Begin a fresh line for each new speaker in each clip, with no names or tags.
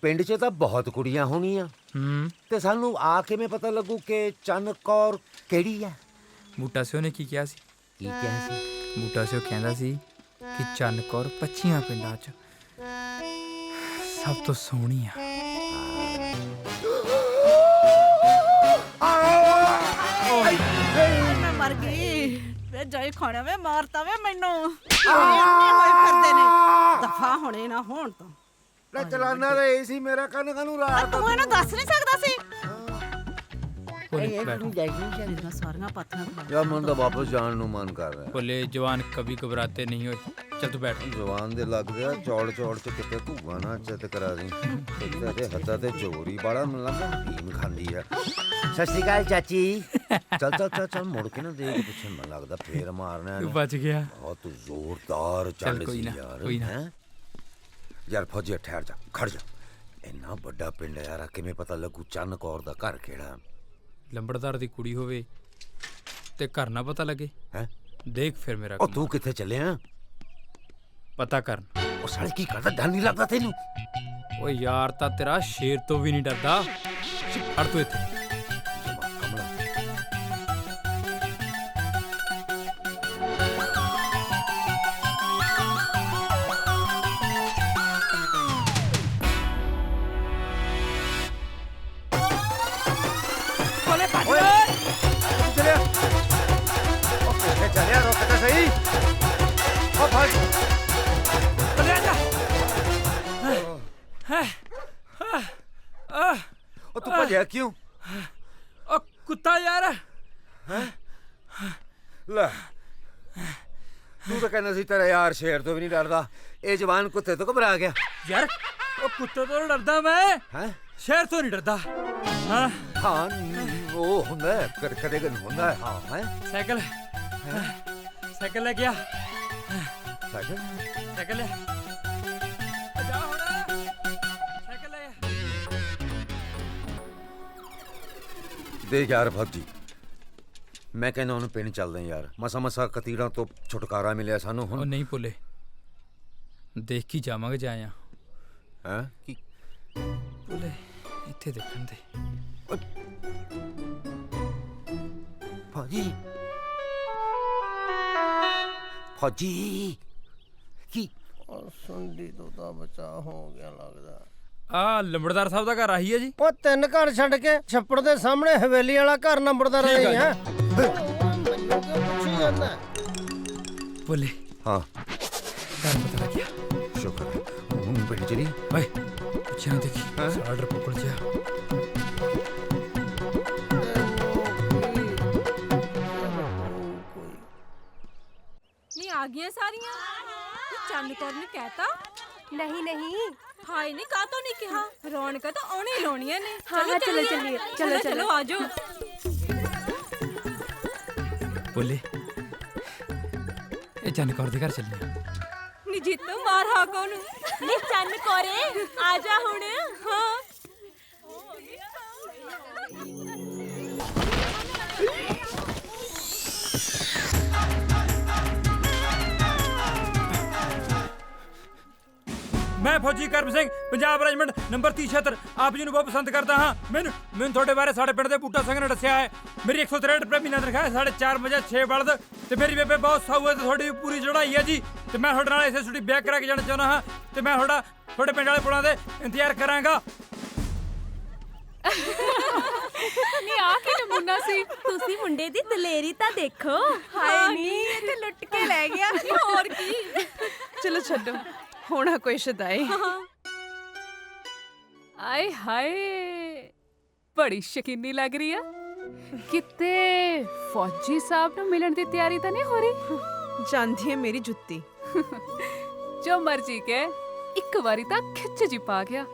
ਪਿੰਡ 'ਚ ਤਾਂ ਬਹੁਤ ਕੁੜੀਆਂ ਹੋਣੀਆਂ ਤੇ ਸਾਨੂੰ ਆ ਕਿਵੇਂ ਪਤਾ ਲੱਗੂ ਕਿ ਚੰਨ ਕੌਰ ਕਿਹੜੀ ਆ?
ਬੂਟਾ ਸਿਓ ਨੇ ਕੀ ਕਿਹਾ ਸੀ?
ਕੀ ਕਿਹਾ ਸੀ?
ਬੂਟਾ ਸਿਓ ਕਹਿੰਦਾ ਸੀ ਕਿ ਚੰਨ ਕੌਰ 25 ਪਿੰਡਾਂ 'ਚ ਸਭ ਤੋਂ ਸੋਹਣੀ ਆ।
ਮੈਂ ਮਰ ਗਈ ਵੇ ਜਾਈ ਖਾਣਾ ਵੇ ਮਾਰਤਾ ਵੇ ਮੈਨੂੰ ਹੋਏ ਫਿਰਦੇ ਨੇ ਦਫਾ ਹੋਣੇ ਨਾ ਹੋਣ ਤਾਂ
ਲੈ ਚਲਾਨਾ ਤਾਂ ਇਹ ਸੀ ਮੇਰਾ ਕੰਨ ਕਾਨੂੰ ਰਾਤ
ਤੂੰ ਇਹਨੂੰ ਦੱਸ ਨਹੀਂ ਸਕਦਾ ਸੀ
ਭੋਲੇ ਬੈਠ।
ਇਹਦੀਆਂ ਸਾਰੀਆਂ ਪਾਥੀਆਂ ਖਾ
ਯਾਰ ਮਨ ਤਾਂ ਵਾਪਸ ਜਾਣ ਨੂੰ ਮਨ ਕਰ ਰਿਹਾ।
ਭੋਲੇ ਜਵਾਨ ਕभी घबराते नहीं हो। ਚੱਲ ਤੂੰ ਬੈਠ।
ਜਵਾਨ ਦੇ ਲੱਗ ਗਿਆ ਚੌੜ ਚੌੜ ਚ ਕਿਤੇ ਘੂਗਾ ਨਾ ਚਿੱਤ ਕਰਾ ਦੀ ਤੇ ਹੱਥਾਂ ਤੇ ਚੋਰੀ ਬਾੜਾ ਮਨ ਲੱਗਦਾ ਭੀਮ ਖਾਂਦੀ ਆ। ਸਤਿ ਸ਼੍ਰੀ ਅਕਾਲ ਚਾਚੀ। ਚੱਲ ਮੁੜ ਕੇ ਨਾ ਦੇਖ ਪਿੱਛੇ ਮਨ ਲੱਗਦਾ ਫੇਰ ਮਾਰਨਾ
ਤੂੰ ਬਚ ਗਿਆ।
ਬਹੁਤ ਜ਼ੋਰਦਾਰ
ਚੱਲ
ਚੱਲ
ਕੋਈ
ਸੀ
ਨਾ,
ਯਾਰ
ਕੋਈ ਨਾ।
ਹੈਂ? ਯਾਰ ਫੌਜੀ ਠਹਿਰ ਜਾ ਖੜ ਜਾ। ਇੰਨਾ ਵੱਡਾ ਪਿੰਡ ਹੈ ਯਾਰ ਕਿਵੇਂ ਪਤਾ ਲੱਗੂ ਚੰਨ ਕੌਰ ਦਾ ਘਰ ਕਿਹੜਾ?
ਲੰਬੜਦਾਰ ਦੀ ਕੁੜੀ ਹੋਵੇ ਤੇ ਘਰ ਨਾ ਪਤਾ ਲੱਗੇ।
ਹੈ
ਦੇਖ ਫਿਰ ਮੇਰਾ
ਉਹ ਤੂੰ ਕਿੱਥੇ ਚੱਲਿਆ?
ਪਤਾ ਕਰਨ।
ਉਹ ਸਾਲੇ ਕੀ ਕਰਦਾ ਡਰ ਨਹੀਂ ਲੱਗਦਾ ਤੈਨੂੰ?
ਓ ਯਾਰ ਤਾਂ ਤੇਰਾ ਸ਼ੇਰ ਤੋਂ ਵੀ ਨਹੀਂ ਡਰਦਾ। ਹਟ ਤੂੰ ਇੱਥੇ।
ਕਮਲਾ
ਕੋਲੇ ਭੱਜ
ਚੱਲਿਆ ਉਹ ਕਿੱਥੇ ਚੱਲਿਆ ਰੁਕ ਤਾਂ ਸਹੀ। ਉਹ ਫੜ
ਚੱਲਿਆ ਜਾ।
ਉਹ ਤੂੰ ਭੱਜਿਆ ਕਿਉਂ?
ਓ ਕੁੱਤਾ ਯਾਰ।
ਲੈ ਤੂੰ ਤਾਂ ਕਹਿੰਦਾ ਸੀ ਤੇਰਾ ਯਾਰ ਸ਼ੇਰ ਤੋਂ ਵੀ ਨਹੀਂ ਡਰਦਾ। ਇਹ ਜਵਾਨ ਕੁੱਤੇ ਤੋਂ ਘਬਰਾ ਗਿਆ।
ਯਾਰ ਉਹ ਕੁੱਤੇ ਤੋਂ ਡਰਦਾ ਮੈਂ,
ਹੈ
ਸ਼ੇਰ ਤੋਂ ਨਹੀਂ ਡਰਦਾ। ਹਾਂ
ਹਾਂ ਉਹ ਹੁੰਦਾ ਹੈ, ਕਦੇ ਕਦੇ ਹੁੰਦਾ ਹੈ। ਹਾਂ ਹੈ
ਸਾਈਕਲ ਸਾਈਕਲ ਲੈ ਗਿਆ।
ਸਾਈਕਲ
ਸਾਈਕਲ ਲੈ ਜਾ ਹੁਣ। ਸਾਈਕਲ ਲੈ।
ਦੇਖ ਯਾਰ ਫੌਜੀ ਮੈਂ ਕਹਿੰਦਾ ਉਹਨੂੰ ਪਿੰਡ ਚੱਲਦੇ ਯਾਰ। ਮਸਾ ਕਤੀੜਾਂ ਤੋਂ ਛੁਟਕਾਰਾ ਮਿਲਿਆ ਸਾਨੂੰ
ਉਹ
ਹੁਣ।
ਨਹੀਂ ਭੁੱਲੇ, ਦੇਖ ਕੇ ਜਾਵਾਂਗੇ ਜਾਇਆ।
ਹੈ ਕੀ
ਭੁੱਲੇ ਇੱਥੇ ਦੇਖਣ ਦੇ।
ਫੌਜੀ ਫੌਜੀ ਕੀ
ਸੁੰਡੀ ਤੋਂ ਤਾਂ ਬਚਾ ਹੋ ਗਿਆ ਲੱਗਦਾ।
ਆ ਲੰਬੜਦਾਰ ਸਾਹਿਬ ਦਾ ਘਰ ਆਹੀ ਹੈ ਜੀ।
ਉਹ 3 ਘਰ ਛੱਡ ਕੇ ਛੱਪੜ ਦੇ ਸਾਹਮਣੇ ਹਵੇਲੀ ਵਾਲਾ ਘਰ ਨੰਬਰਦਾਰ
ਠੀਕ
ਨਹੀਂ
ਆ
ਹੈ। ਮੈਨੂੰ ਕਿਉਂ ਪੁੱਛੀ ਜਾਂਦਾ?
ਭੁੱਲੇ
ਹਾਂ
ਘਰ ਪਤਾ ਲੱਗਿਆ।
ਸ਼ੁਕਰ ਹੈ। ਹੁਣ ਪਿੰਡ ਚਲੀ
ਓਏ ਪਿੱਛੇ ਨਾ ਦੇਖੀ। ਸਾਡਾ ਡਰ ਪਕੜ ਜਾ।
ਨੀ ਆ ਗਈਆਂ ਸਾਰੀਆਂ। ਚੰਨ ਕੌਰ ਨੇ ਕਹਿਤਾ
नहीं नहीं
ਹਾਏ ਨਹੀਂ ਕਾਹ ਤੋਂ ਨਹੀਂ ਕਿਹਾ। ਰੌਣਕਾਂ ਤਾਂ ਆਉਣੇ ਹੀ ਲਾਉਣੀਆਂ ਨੇ।
हाँ हाँ चलो चलिए चलो चलो
ਚਲੋ ਆਜੋ।
ਭੁੱਲੇ ਇਹ ਚੰਨ ਕੌਰ ਦੇ ਘਰ ਚੱਲੀਆਂ।
ਨੀ ਜੀਤੋ ਮਾਰ ਹਾਕੋ ਨੂੰ। ਨੀ ਚੰਨ ਕੌਰੇ ਆ ਜਾ ਹੁਣ। ਹਾਂ
ਮੈਂ ਫੌਜੀ ਕਰਮ ਸਿੰਘ ਪੰਜਾਬ ਰੈਜੀਮੈਂਟ ਨੰਬਰ 3076 ਆਪ ਜੀ ਨੂੰ ਬਹੁਤ ਪਸੰਦ ਕਰਦਾ ਹਾਂ। ਮੈਨੂੰ ਤੁਹਾਡੇ ਬਾਰੇ ਸਾਡੇ ਪਿੰਡ ਦੇ ਬੂਟਾ ਸਿੰਘ ਨੇ ਦੱਸਿਆ ਹੈ। ਮੇਰੀ 163 ਰੁਪਏ ਮਹੀਨਾ ਤਨਖਾਹ ਹੈ। 4.5 ਵਜੇ 6 ਬਲਦ ਤੇ ਮੇਰੀ ਬੇਬੇ ਬਹੁਤ ਸਾਊ ਹੈ ਤੇ ਤੁਹਾਡੀ ਪੂਰੀ ਚੜ੍ਹਾਈ ਹੈ ਜੀ। ਤੇ ਮੈਂ ਤੁਹਾਡੇ ਨਾਲ ਇਸੇ ਛੁੱਟੀ ਵਿਆਹ ਕਰਾ ਕੇ ਜਾਣਾ ਚਾਹੁੰਦਾ ਹਾਂ ਤੇ ਮੈਂ ਤੁਹਾਡੇ ਪਿੰਡ ਵਾਲੇ ਪੁਲਾਂ ਦੇ ਇੰਤਜ਼ਾਰ ਕਰਾਂਗਾ।
ਨੀ ਆ ਕੀ ਨਮੂਨਾ ਸੀ। ਤੁਸੀਂ ਮੁੰਡੇ ਦੀ ਦਲੇਰੀ ਤਾਂ ਦੇਖੋ। ਹਾਏ ਨੀ ਇਹ ਤੇ ਲੁੱਟ ਕੇ ਲੈ ਗਿਆ। ਹੋਰ ਕੀ।
ਚਲੋ ਛੱਡੋ ਹੋਣਾ ਕੋਈ ਸ਼ਦਾਈ।
ਆਏ ਹਾਏ ਬੜੀ ਸ਼ਕੀਨੀ ਲੱਗ ਰਹੀ ਆ। ਕਿਤੇ ਫੌਜੀ ਸਾਹਿਬ ਨੂੰ ਮਿਲਣ ਦੀ ਤਿਆਰੀ ਤਾਂ ਨਹੀਂ ਹੋ ਰਹੀ?
ਜਾਂਦੀ ਹੈ ਮੇਰੀ ਜੁੱਤੀ।
ਜੋ ਮਰਜੀ ਕੇ ਇੱਕ ਵਾਰੀ ਤਾਂ ਖਿੱਚ ਜੀ ਪਾ ਗਿਆ।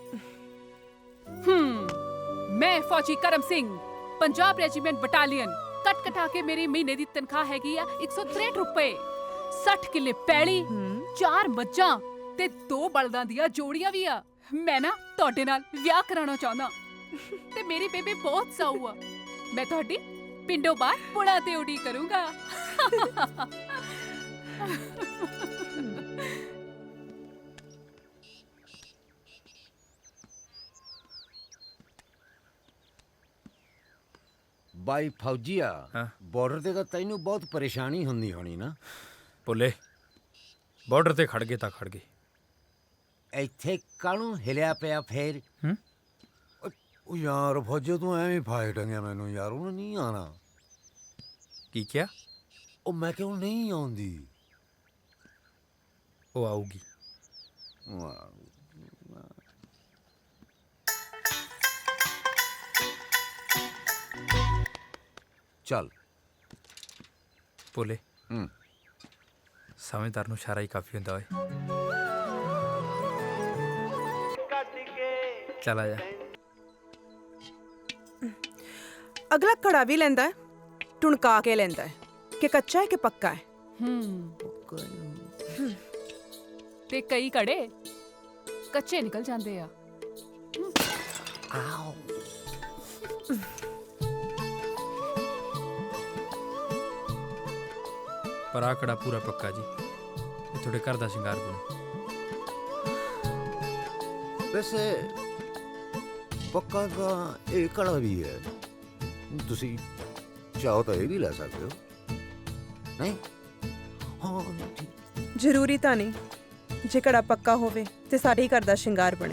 ਮੈਂ ਫੌਜੀ ਕਰਮ ਸਿੰਘ ਪੰਜਾਬ ਰੈਜੀਮੈਂਟ ਬਟਾਲੀਅਨ ਕੱਟ ਕਟਾ ਕੇ ਮੇਰੀ ਮਹੀਨੇ ਦੀ ਤਨਖਾਹ ਹੈਗੀ ਆ 163 ਰੁਪਏ। 60 ਕਿੱਲੇ ਪੈਲੀ, 4 ਮੱਝਾਂ ਤੇ 2 ਬਲਦਾਂ ਦੀਆਂ ਜੋੜੀਆਂ ਵੀ ਆ। ਮੈਂ ਨਾ ਤੁਹਾਡੇ ਨਾਲ ਵਿਆਹ ਕਰਾਉਣਾ ਚਾਹੁੰਦਾ ਤੇ ਮੇਰੀ ਬੇਬੇ ਬਹੁਤ ਸਾਊ ਆ। ਮੈਂ ਤੁਹਾਡੀ ਪਿੰਡੋਂ ਬਾਹਰ ਪੁਲਾਂ ਤੇ ਉਡੀ ਕਰੂੰਗਾ।
ਬਾਈ ਫੌਜੀਆ
ਹਾਂ।
ਬਾਰਡਰ ਤੇ ਤਾਂ ਤੈਨੂੰ ਬਹੁਤ ਪਰੇਸ਼ਾਨੀ ਹੁੰਦੀ ਹੋਣੀ ਨਾ।
ਭੁੱਲੇ ਬਾਰਡਰ ਤੇ ਖੜ ਗਏ ਤਾਂ ਖੜ ਗਏ।
ਇੱਥੇ ਕਾਹਨੂੰ ਹਿਲਿਆ ਪਿਆ ਫੇਰ?
ਹੂੰ?
ਉਹ ਯਾਰ ਫੌਜੀ ਤੂੰ ਐਵੇਂ ਫਾਇ ਟੰਗਿਆ ਮੈਨੂੰ ਯਾਰ, ਉਹਨੂੰ ਨਹੀਂ ਆਣਾ।
ਕੀ ਕਿਹਾ?
ਉਹ ਮੈਂ ਕਿਉਂ ਨਹੀਂ ਆਉਂਦੀ?
ਉਹ ਆਊਗੀ।
ਚੱਲ।
ਭੁੱਲੇ
ਹੂੰ।
ਸਮਝਦਾਰ ਨੂੰ ਇਸ਼ਾਰਾ ਹੀ ਕਾਫੀ ਹੁੰਦਾ ਓਏ। ਚੱਲ ਆ ਜਾ।
ਅਗਲਾ ਕੜਾ ਵੀ ਲੈਂਦਾ ਹੈ, ਟੁਣਕਾ ਕੇ ਲੈਂਦਾ ਹੈ ਕਿ ਕੱਚਾ ਹੈ ਕਿ ਪੱਕਾ ਹੈ।
ਤੇ ਕਈ ਕੜੇ ਕੱਚੇ ਨਿਕਲ ਜਾਂਦੇ ਆ।
ਪਰ ਆਹ ਕੜਾ ਪੂਰਾ ਪੱਕਾ ਜੀ, ਇਹ ਤੁਹਾਡੇ ਘਰ ਦਾ ਸ਼ਿੰਗਾਰ ਬਣੂ।
ਵੈਸੇ ਪੱਕਾ ਤਾਂ ਇਹ ਕੜਾ ਵੀ ਹੈ, ਤੁਸੀਂ ਚਾਹੋ ਤਾਂ ਇਹ ਵੀ ਲੈ ਸਕਦੇ ਹੋ। ਨਹੀਂ ਹਾਂ ਠੀਕ।
ਜ਼ਰੂਰੀ ਤਾਂ ਨਹੀਂ, ਜੇ ਕੜਾ ਪੱਕਾ ਹੋਵੇ ਤੇ ਸਾਡੇ ਹੀ ਘਰ ਦਾ ਸ਼ਿੰਗਾਰ ਬਣੇ।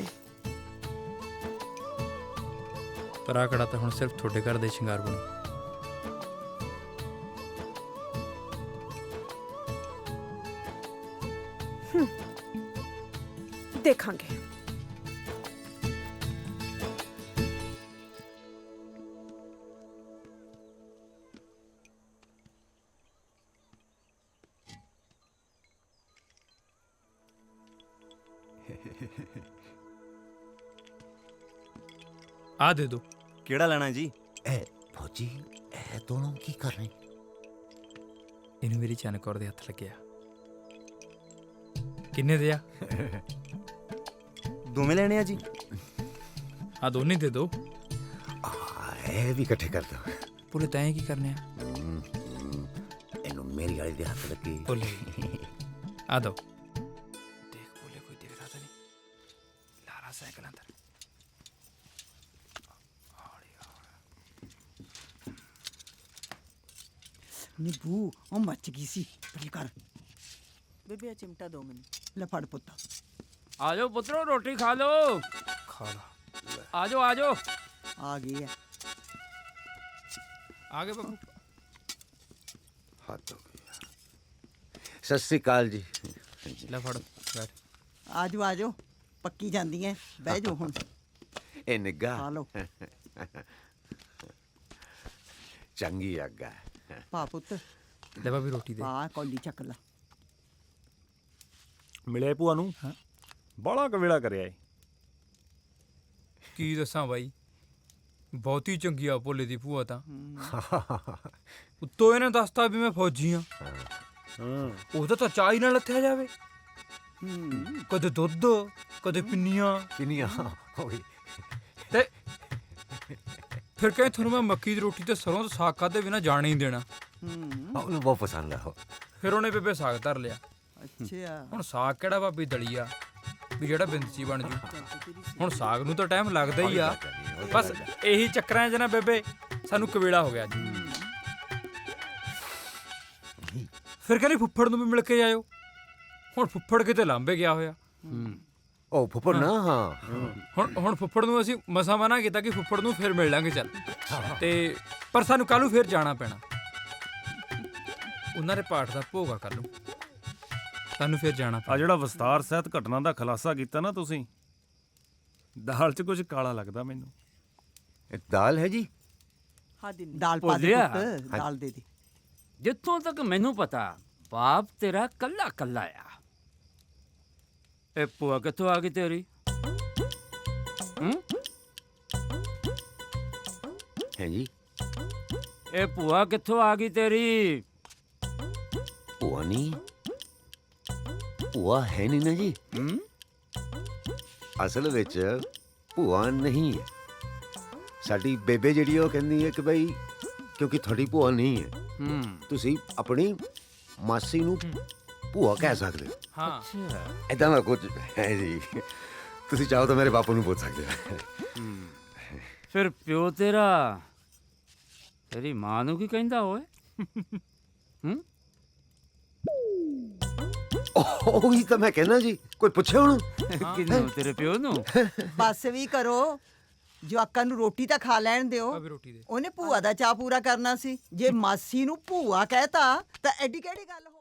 ਪਰ ਆਹ ਕੜਾ ਤਾਂ ਹੁਣ ਸਿਰਫ ਤੁਹਾਡੇ ਘਰ ਦੇ ਸ਼ਿੰਗਾਰ ਬਣੂ।
ਦੇਖਾਂਗੇ।
ਆ ਦੇ ਦੋ।
ਕਿਹੜਾ ਲੈਣਾ ਜੀ?
ਇਹ ਫੌਜੀ ਇਹ ਦੋਨੋਂ ਕੀ ਕਰ ਰਹੇ?
ਇਹਨੂੰ ਮੇਰੀ ਚੰਨ ਕੌਰ ਦੇ ਹੱਥ ਲੱਗਿਆ। ਕਿੰਨੇ ਦੇ ਆ?
ਦੋਵੇਂ ਲੈਣੇ ਆ ਜੀ?
ਆ ਦੋਨੇ ਦੇ ਦੋ।
ਇਹ ਵੀ ਇਕੱਠੇ ਕਰ ਦੋ।
ਭੁੱਲੇ ਤੈਂ ਕੀ ਕਰਨੇ ਆ?
ਇਹਨੂੰ ਮੇਰੀ ਵਾਲੀ ਦੇ ਹੱਥ ਲੱਗੇ।
ਭੁੱਲੇ ਆ ਦੋ। ਦੇਖ ਭੁੱਲੇ ਕੋਈ ਦਿਖਦਾ ਤਾਂ ਨਹੀਂ। ਲਾਰਾ ਸਾਈਕਲ ਅੰਦਰ।
ਨਿੱਬੂ ਉਹ ਮੱਚ ਗਈ ਸੀ। ਪਰੇ ਕਰ ਬੇਬੇ, ਚਿਮਟਾ ਦੋ ਮੈਨੂੰ। ਲੈ ਫੜ ਪੁੱਤ।
ਆ ਜਾਓ ਪੁੱਤਰੋ, ਰੋਟੀ ਖਾ ਲਓ।
ਖਾ ਲਾ।
ਆ ਜਾਓ ਆ ਜਾਓ।
ਆ ਗਈ ਹੈ।
ਆ ਗਏ ਬਾਬੂ।
ਹੱਥ ਹੋ ਗਿਆ। ਸਤਿ ਸ੍ਰੀ ਅਕਾਲ ਜੀ।
ਲੈ ਫੜ ਬੈਠ।
ਆਜੋ ਆਜੋ, ਪੱਕੀ ਜਾਂਦੀ ਹੈ। ਬਹਿ ਜਾਓ ਹੁਣ।
ਇਹ ਨਿੱਗਾ
ਖਾ ਲਓ।
ਚੰਗੀ ਅੱਗਾ।
ਪਾ ਪੁੱਤ,
ਲੈ ਬਾਬੀ ਰੋਟੀ ਦੇ।
ਪਾ ਕੌਲੀ ਚੱਕ ਲਾ।
ਮਿਲਿਆ ਭੂਆ ਨੂੰ? ਬਾਲਾ ਕਵੇਲਾ ਕਰਿਆ ਏ।
ਕੀ ਦੱਸਾਂ ਬਾਈ, ਬਹੁਤੀ ਚੰਗੀ ਆ ਭੋਲੇ ਦੀ ਭੂਆ ਤਾਂ। ਉੱਤੋਂ ਇਹਨੇ ਦੱਸਤਾ ਵੀ ਮੈਂ ਫੌਜੀ ਆ। ਉਹਦਾ ਤਾਂ ਚਾਹ ਹੀ ਨਾਲ ਲੱਥਿਆ ਜਾਵੇ। ਕਦੇ ਦੁੱਧ, ਕਦੇ ਪਿੰਨੀਆਂ।
ਕਿੰਨੀਆਂ ਹੋਈ?
ਤੇ ਫਿਰ ਕਹੇ ਤੁਹਾਨੂੰ ਮੈਂ ਮੱਕੀ ਦੀ ਰੋਟੀ ਤੇ ਸਰੋਂ ਦਾ ਸਾਗ ਖਾਦੇ ਬਿਨਾਂ ਜਾਣ ਹੀ ਨਹੀਂ ਦੇਣਾ।
ਉਹਨੂੰ ਬਹੁਤ ਪਸੰਦ ਆ।
ਫਿਰ ਉਹਨੇ ਬੇਬੇ ਸਾਗ ਧਰ ਲਿਆ।
ਅੱਛਾ,
ਹੁਣ ਸਾਗ ਕਿਹੜਾ ਭਾਬੀ ਦਲੀਆ ਵੀ ਜਿਹੜਾ ਬਿੰਦਚੀ ਬਣ ਜੂ। ਹੁਣ ਸਾਗ ਨੂੰ ਤਾਂ ਟਾਈਮ ਲੱਗਦਾ ਹੀ ਆ। ਬਸ ਇਹੀ ਚੱਕਰਾਂ 'ਚ ਨਾ ਬੇਬੇ ਸਾਨੂੰ ਕਵੇਲਾ ਹੋ ਗਿਆ ਜੀ। ਫਿਰ ਕਹਿੰਦੀ ਫੁੱਫੜ ਨੂੰ ਵੀ ਮਿਲ ਕੇ ਆਇਓ। ਹੁਣ ਫੁੱਫੜ ਕਿਤੇ ਲਾਂਬੇ ਗਿਆ ਹੋਇਆ।
ਉਹ ਫੁੱਫੜ ਨਾ। ਹਾਂ
ਹੁਣ ਫੁੱਫੜ ਨੂੰ ਅਸੀਂ ਮਸਾ ਮਨਾ ਕੀਤਾ ਕਿ ਫੁੱਫੜ ਨੂੰ ਫਿਰ ਮਿਲ ਲਾਂਗੇ ਚੱਲ। ਤੇ ਪਰ ਸਾਨੂੰ ਕੱਲ੍ਹ ਨੂੰ ਫਿਰ ਜਾਣਾ ਪੈਣਾ। ਉਹਨਾਂ ਦੇ ਪਾਠ ਦਾ ਭੋਗਾ ਕਰ ਲੂ। ਸਾਨੂੰ ਫਿਰ ਜਾਣਾ
ਆ
ਪੈਣਾ।
ਜਿਹੜਾ ਵਿਸਤਾਰ ਸਹਿਤ ਘਟਨਾ ਦਾ ਖੁਲਾਸਾ ਕੀਤਾ ਨਾ ਤੁਸੀਂ, ਦਾਲ 'ਚ ਕੁਝ ਕਾਲਾ ਲੱਗਦਾ ਮੈਨੂੰ।
ਇਹ ਦਾਲ ਹੈ ਜੀ।
ਹਾਂ ਦੀ ਦਾਲ ਪਾ ਦੇ
ਭੁੱਲਿਆ।
ਪੁੱਤ, ਦਾਲ ਦੇ ਦੇ।
ਜਿੱਥੋਂ ਤੱਕ ਮੈਨੂੰ ਪਤਾ, ਬਾਪ ਤੇਰਾ ਕੱਲਾ ਕੱਲਾ ਆ। ਇਹ ਭੂਆ ਕਿੱਥੋਂ ਆ ਗਈ ਤੇਰੀ?
ਹੈ ਜੀ।
ਇਹ ਭੂਆ ਕਿੱਥੋਂ ਆ ਗਈ ਤੇਰੀ?
ਭੂਆ ਨਹੀਂ, ਭੂਆ ਹੈ ਨਹੀਂ ਨਾ ਜੀ। ਅਸਲ ਵਿੱਚ ਭੂਆ ਨਹੀਂ ਹੈ। ਸਾਡੀ ਬੇਬੇ ਜਿਹੜੀ ਉਹ ਕਹਿੰਦੀ ਹੈ ਕਿ ਬਈ ਕਿਉਂਕਿ ਤੁਹਾਡੀ ਭੂਆ ਨਹੀਂ ਹੈ, ਤੁਸੀਂ ਆਪਣੀ ਮਾਸੀ ਨੂੰ ਭੂਆ ਕਹਿ ਸਕਦੇ ਹੋ।
ਹਾਂ
ਏਦਾਂ ਦਾ ਕੁਝ ਹੈ ਜੀ। ਤੁਸੀਂ ਚਾਹੋ ਤਾਂ ਮੇਰੇ ਬਾਪੂ ਨੂੰ ਪੁੱਛ ਸਕਦੇ ਹੋ।
ਫਿਰ ਪਿਓ ਤੇਰਾ ਤੇਰੀ ਮਾਂ ਨੂੰ ਕੀ ਕਹਿੰਦਾ ਓਏ ਹੂੰ
ਉਹੀ ਤਾਂ ਮੈਂ ਕਹਿਣਾ ਜੀ, ਕੋਈ ਪੁੱਛੇ ਹੁਣ?
ਕਿੰਨੂੰ ਤੇਰੇ ਪਿਓ ਨੂੰ
ਬਸ ਵੀ ਕਰੋ, ਜਵਾਕਾਂ ਨੂੰ ਰੋਟੀ ਤਾਂ ਖਾ ਲੈਣ ਦਿਓ। ਉਹਨੇ ਭੂਆ ਦਾ ਚਾਅ ਪੂਰਾ ਕਰਨਾ ਸੀ, ਜੇ ਮਾਸੀ ਨੂੰ ਭੂਆ ਕਹਿਤਾ ਤਾਂ ਐਡੀ ਕਿਹੜੀ ਗੱਲ ਹੋ